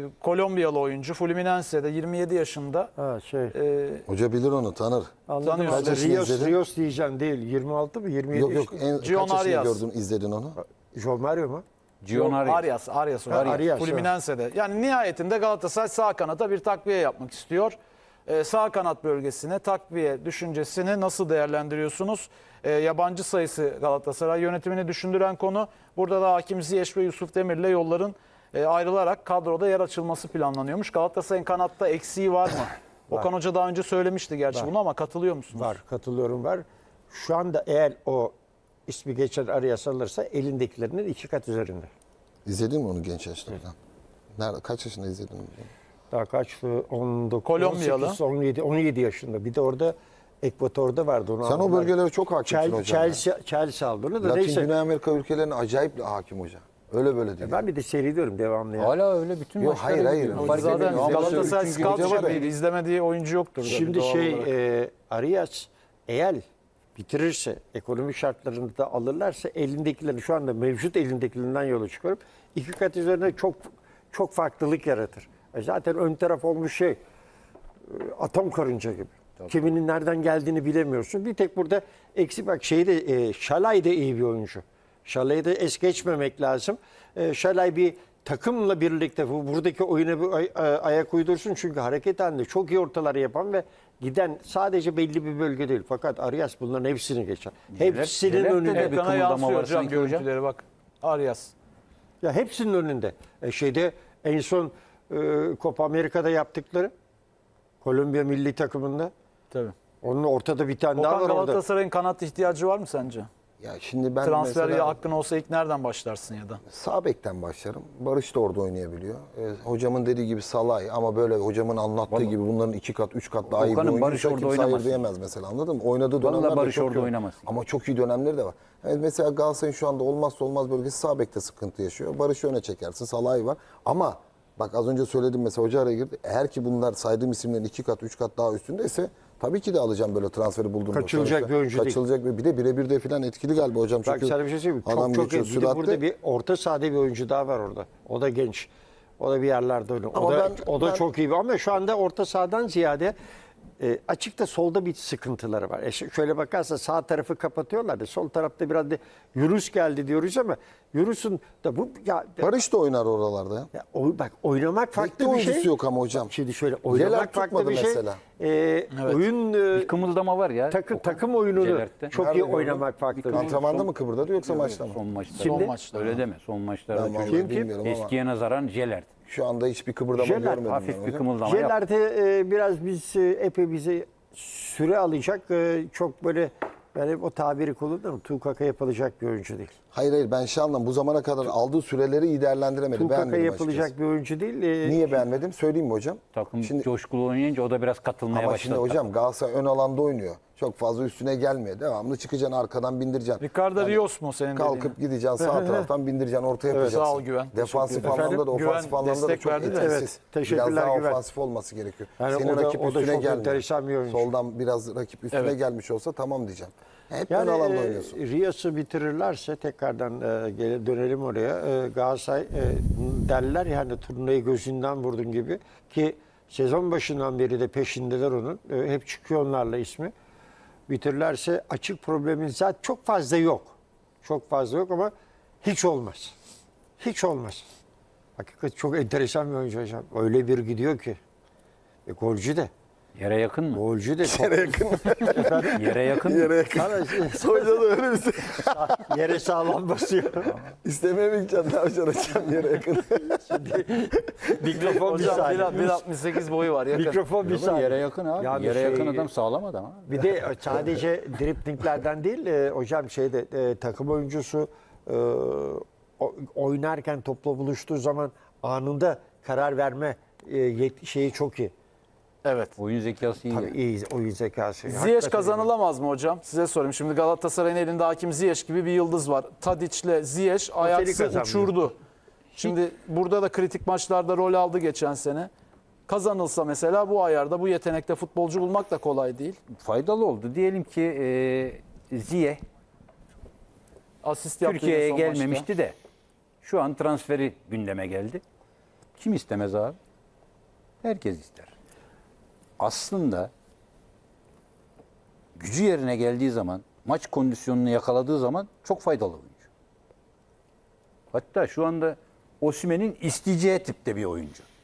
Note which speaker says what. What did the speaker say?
Speaker 1: Kolombiyalı oyuncu. Fluminense'de 27 yaşında.
Speaker 2: Ha şey.
Speaker 3: Hoca bilir onu, tanır.
Speaker 2: Anladım.
Speaker 1: tanıyorsun.
Speaker 3: Kaç yaşında izledin?
Speaker 2: Rios diyeceğim değil. 26 mı? 27
Speaker 3: Yok
Speaker 2: yaşında.
Speaker 3: en
Speaker 1: Gion
Speaker 3: kaç yaşında
Speaker 1: Arias.
Speaker 3: gördün, izledin onu?
Speaker 2: João Mario mu?
Speaker 4: Gion
Speaker 1: Arias.
Speaker 2: Arias,
Speaker 1: Fluminense'de. Yani nihayetinde Galatasaray sağ kanata bir takviye yapmak istiyor. Sağ kanat bölgesine takviye düşüncesini nasıl değerlendiriyorsunuz? Yabancı sayısı Galatasaray yönetimini düşündüren konu. Burada da Hakim Ziyech ve Yusuf Demir'le yolların ayrılarak kadroda yer açılması planlanıyormuş. Galatasaray'ın kanatta eksiği var mı? Okan Hoca daha önce söylemişti gerçi bunu ama katılıyor musunuz?
Speaker 2: Var. Katılıyorum var. Şu anda eğer o ismi geçen Arias alırsa elindekilerinin 2 kat üzerinde.
Speaker 3: İzledin mi onu genç yaşlardan? Nerede, kaç yaşında izledin onu?
Speaker 2: Daha kaçtı? 19,
Speaker 1: Kolombiyalı.
Speaker 2: 18, 17 yaşında. Bir de orada Ekvator'da vardı. Onu
Speaker 3: Sen o
Speaker 2: aldılar.
Speaker 3: bölgelere çok hakimsin hocam.
Speaker 2: Chelsea aldı onu da.
Speaker 3: Latin
Speaker 2: Neyse.
Speaker 3: Güney Amerika ülkelerine acayip hakim hoca. Öyle böyle değil.
Speaker 2: Ben bir de seyrediyorum devamlı. Ya.
Speaker 4: Hala öyle bütün
Speaker 3: Yok,
Speaker 4: maçları
Speaker 3: hayır,
Speaker 4: izliyorum.
Speaker 3: hayır.
Speaker 4: Fark
Speaker 1: Zaten
Speaker 4: etmiyor. Ama
Speaker 1: Galatasaray
Speaker 4: üçüncü
Speaker 1: scout
Speaker 3: hoca var ya.
Speaker 1: şefiydi. İzlemediği oyuncu yoktur. tabii
Speaker 2: Şimdi
Speaker 1: doğal olarak.
Speaker 2: Arias eğer bitirirse, ekonomik şartlarını da alırlarsa elindekilerini şu anda mevcut elindekilerinden yola çıkarıp 2 kat üzerine çok farklılık yaratır. Zaten ön taraf olmuş atom karınca gibi. Tabii. Kiminin nereden geldiğini bilemiyorsun. Bir tek burada eksik bak Şalay da iyi bir oyuncu. Şalay'ı da es geçmemek lazım. Şalay bir takımla birlikte buradaki oyuna bir ayak uydursun. Çünkü hareket halinde çok iyi ortaları yapan ve giden sadece belli bir bölge değil. Fakat Arias bunların hepsini geçer. Hepsinin
Speaker 4: Neler
Speaker 2: önünde.
Speaker 4: de bir
Speaker 1: Ekrana
Speaker 4: kımıldama
Speaker 1: yansıyor
Speaker 4: var
Speaker 1: hocam
Speaker 4: sanki hocam.
Speaker 1: görüntüleri bak. Arias.
Speaker 2: Ya hepsinin önünde. En son Copa Amerika'da yaptıkları Kolombiya milli takımında.
Speaker 1: Tabii.
Speaker 2: Onun ortada bir tane daha
Speaker 1: Okan
Speaker 2: var orada.
Speaker 1: Galatasaray'ın kanat ihtiyacı var mı sence?
Speaker 3: Ya şimdi ben
Speaker 1: Transfer
Speaker 3: mesela
Speaker 1: hakkın olsa ilk nereden başlarsın ya da?
Speaker 3: sağ bekten başlarım. Barış da orada oynayabiliyor. Hocamın dediği gibi Salay ama böyle hocamın anlattığı gibi bunların 2 kat 3 kat daha iyi bir
Speaker 4: Okan'ın
Speaker 3: oyuncu.
Speaker 4: Barış orada
Speaker 3: Kimse
Speaker 4: oynamaz.
Speaker 3: hayır diyemez mesela, anladın mı? Oynadığı
Speaker 4: Vallahi
Speaker 3: dönemler de
Speaker 4: Barış
Speaker 3: çok
Speaker 4: orada
Speaker 3: iyi.
Speaker 4: oynamaz.
Speaker 3: Ama çok iyi dönemleri de var. Evet, mesela Galatasaray'ın şu anda olmazsa olmaz bölgesi sağ bekte sıkıntı yaşıyor. Barış'ı öne çekersin. Salay var. Ama bak az önce söyledim mesela, hoca araya girdi. Eğer ki bunlar saydığım isimlerin 2 kat 3 kat daha üstündeyse tabii ki de alacağım böyle transferi bulduğum.
Speaker 2: Kaçılacak bir oyuncu değil.
Speaker 3: Kaçılacak bir de birebir de falan etkili galiba hocam.
Speaker 2: Bak
Speaker 3: Çünkü
Speaker 2: sana bir şey söyleyeyim mi?
Speaker 3: adam
Speaker 2: Çok
Speaker 3: geçiyor
Speaker 2: iyi. Bir de
Speaker 3: süratle.
Speaker 2: burada bir orta sahada bir oyuncu daha var orada. O da genç. O da bir yerlerde oynuyor.
Speaker 3: Ama
Speaker 2: O da
Speaker 3: ben-
Speaker 2: çok iyi. Ama şu anda orta sahadan ziyade açıkta solda bir sıkıntıları var. Şöyle bakarsa sağ tarafı kapatıyorlar da sol tarafta biraz da Yunus geldi diyoruz ama Yunus'un da bu
Speaker 3: Barış da oynar oralarda ya.
Speaker 2: bak oynamak farklı
Speaker 3: Bekle
Speaker 2: bir
Speaker 3: oyuncusu
Speaker 2: şey.
Speaker 3: yok ama hocam.
Speaker 2: Şimdi şöyle
Speaker 3: Yeler
Speaker 2: oynamak farklı
Speaker 3: tutmadı
Speaker 2: bir şey.
Speaker 3: mesela.
Speaker 2: Oyun
Speaker 4: Bir kımıldama var ya.
Speaker 2: takım oyununu
Speaker 4: Celert'te.
Speaker 2: çok
Speaker 3: Nerede
Speaker 2: iyi
Speaker 3: gördün?
Speaker 2: oynamak farklı bir şey.
Speaker 3: Antrenmanda mı kıvırdadı yoksa maçta mı?
Speaker 4: Son maçta.
Speaker 2: Şimdi-
Speaker 1: Son maçta.
Speaker 4: Öyle deme. Son maçlarda
Speaker 3: Ben vallahi
Speaker 4: çünkü
Speaker 3: bilmiyorum ama
Speaker 4: eskiye nazaran Jelert.
Speaker 3: şu anda hiçbir kıpırdama
Speaker 2: Jelert
Speaker 3: görmedim. ben
Speaker 4: Hafif bir
Speaker 3: hocam.
Speaker 4: kımıldama yaptı.
Speaker 2: Jeller'de biraz epey bize süre alacak. Çok böyle yani o tabiri kullanırım. Tukaka yapılacak bir oyuncu değil.
Speaker 3: Hayır ben şey anlam bu zamana kadar aldığı süreleri iyi değerlendiremedi.
Speaker 2: Tukaka
Speaker 3: Beğenmedim
Speaker 2: yapılacak
Speaker 3: açıkçası.
Speaker 2: bir oyuncu değil.
Speaker 3: Niye beğenmedim? Söyleyeyim mi hocam?
Speaker 4: Takım
Speaker 3: Şimdi,
Speaker 4: coşkulu oynayınca o da biraz katılmaya
Speaker 3: ama şimdi
Speaker 4: başladı.
Speaker 3: hocam Galatasaray ön alanda oynuyor. Çok fazla üstüne gelmiyor. Devamlı çıkacaksın arkadan bindireceksin.
Speaker 1: Ricardo Rios mu senin dediğin?
Speaker 3: Kalkıp gideceksin sağ taraftan bindireceksin, ortaya yapacaksın.
Speaker 1: sağ ol Güven.
Speaker 3: Defansif
Speaker 2: Teşekkür ederim.
Speaker 3: anlamda da
Speaker 1: Güven
Speaker 3: ofansif anlamda da
Speaker 1: destek
Speaker 3: çok
Speaker 1: verdi de.
Speaker 3: etkisiz.
Speaker 2: Evet, teşekkürler
Speaker 3: Biraz daha
Speaker 2: Güven.
Speaker 3: ofansif olması gerekiyor.
Speaker 2: Yani
Speaker 3: Senin
Speaker 2: o da-
Speaker 3: rakip
Speaker 2: o da
Speaker 3: üstüne
Speaker 2: çok
Speaker 3: gelmiyor.
Speaker 2: enteresan bir oyuncu.
Speaker 3: Soldan biraz rakip üstüne
Speaker 2: Evet.
Speaker 3: gelmiş olsa tamam diyeceğim. Hep ön
Speaker 2: Yani
Speaker 3: alanda oynuyorsun.
Speaker 2: Rios'u bitirirlerse tekrardan dönelim oraya. Galatasaray derler yani turnayı gözünden vurdun gibi ki sezon başından beri de peşindeler onun. Hep çıkıyor onlarla ismi. Bitirirlerse açık problemin zaten çok fazla yok. Çok fazla yok ama hiç olmaz. Hiç olmaz. Hakikaten çok enteresan bir oyuncu hocam. Öyle bir gidiyor ki. Golcü de.
Speaker 4: Yere yakın mı?
Speaker 2: Golcü de.
Speaker 3: Yere yakın.
Speaker 4: Yere yakın mı?
Speaker 3: Yere yakın. Hoca da öyle bir şey.
Speaker 2: Yere sağlam basıyor.
Speaker 3: İstemeye mi gideceksin? Ne yapacaksın hocam yere yakın?
Speaker 2: Mikrofon bir
Speaker 1: Hocam
Speaker 2: saniye.
Speaker 1: 1.68 boyu var yakın.
Speaker 2: Mikrofon bir
Speaker 4: Yok,
Speaker 2: saniye.
Speaker 4: yere yakın abi.
Speaker 2: Yani
Speaker 4: Yere
Speaker 2: şey-
Speaker 4: yakın adam sağlam adam abi.
Speaker 2: Bir de sadece driplinglerden değil hocam takım oyuncusu oynarken topla buluştuğu zaman anında karar verme şeyi çok iyi.
Speaker 1: Evet.
Speaker 4: Oyun zekası iyi.
Speaker 2: Tabii iyi oyun zekası.
Speaker 1: Ziyech
Speaker 2: Hakikaten
Speaker 1: kazanılamaz mı hocam? Size sorayım. Şimdi Galatasaray'ın elinde Hakim Ziyech gibi bir yıldız var. Tadic'le Ziyech Ajax'ı
Speaker 2: kazanmıyor.
Speaker 1: uçurdu. Şimdi burada da kritik maçlarda rol aldı geçen sene. Kazanılsa mesela bu ayarda bu yetenekte futbolcu bulmak da kolay değil.
Speaker 4: Faydalı oldu. Diyelim ki Ziyech
Speaker 1: Asist yaptı
Speaker 4: Türkiye'ye
Speaker 1: yine son
Speaker 4: gelmemişti
Speaker 1: maçta.
Speaker 4: de şu an transferi gündeme geldi.
Speaker 5: Kim istemez abi? Herkes ister. Aslında gücü yerine geldiği zaman, maç kondisyonunu yakaladığı zaman çok faydalı oyuncu. Hatta şu anda Osimhen'in isteyeceği tipte bir oyuncu.